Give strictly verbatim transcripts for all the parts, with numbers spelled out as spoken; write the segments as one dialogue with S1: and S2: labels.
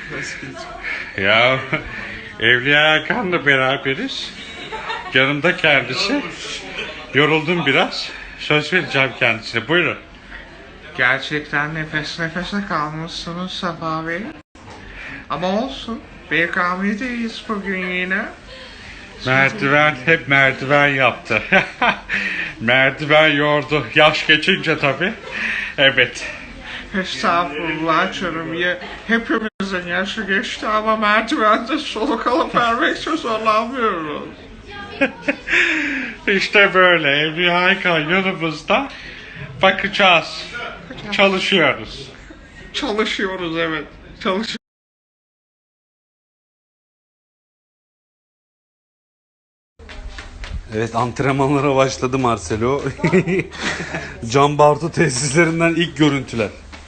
S1: Ya Evliya Hakan'la beraberiz. Yanımda kendisi. Yoruldum biraz. Söz vereceğim kendisine. Buyurun.
S2: Gerçekten nefes nefese kalmışsınız Safa Bey. Ama olsun. B K M'deyiz bugün yine.
S1: Merdiven hep merdiven yaptı. Merdiven yordu. Yaş geçince tabii. Evet.
S2: Estağfurullah canım. Ya, hepimizin yaşı geçti ama merdivende soluk alıp vermekte zorlanmıyoruz.
S1: İşte böyle Evliya Hakan yanımızda. Bakacağız. Çalışıyoruz.
S2: Çalışıyoruz evet. Çalışıyoruz.
S3: Evet, antrenmanlara başladı Marcelo. Can Bartu tesislerinden ilk görüntüler.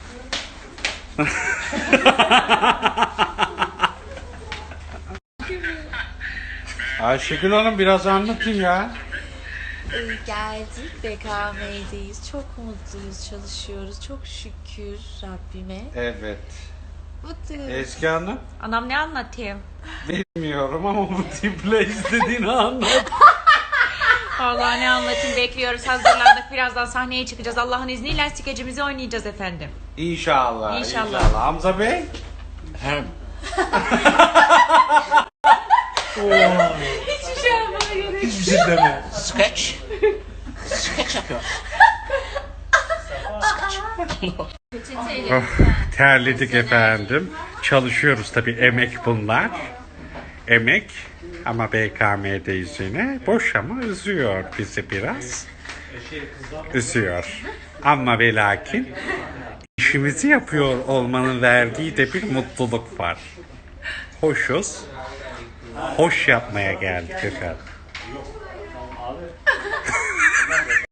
S1: Ayşegül Hanım biraz anlatın ya.
S4: Ee, geldik B K M'deyiz. Çok mutluyuz, çalışıyoruz. Çok şükür Rabbime.
S1: Evet.
S4: Mutluyuz.
S1: Ezgi Hanım.
S4: Anam ne anlatayım?
S1: Bilmiyorum ama bu tiple istediğini anlat.
S4: Vallahi ne anlatayım, bekliyoruz. Hazırlandık. Birazdan sahneye çıkacağız. Allah'ın izniyle skecimizi oynayacağız efendim.
S1: İnşallah.
S4: İnşallah.
S1: Hamza Bey. Hem.
S4: Hiçbir şey yapmaya gerek yok.
S3: Hiçbir şey deme.
S5: Sketch. Sketch yapıyor.
S1: Oh, terledik efendim. Çalışıyoruz tabii, emek bunlar. Emek ama B K M'deyiz yine. Boş ama üzüyor bizi biraz. Üzüyor. Ama ve lakin işimizi yapıyor olmanın verdiği de bir mutluluk var. Hoşuz. Hoş yapmaya geldik efendim.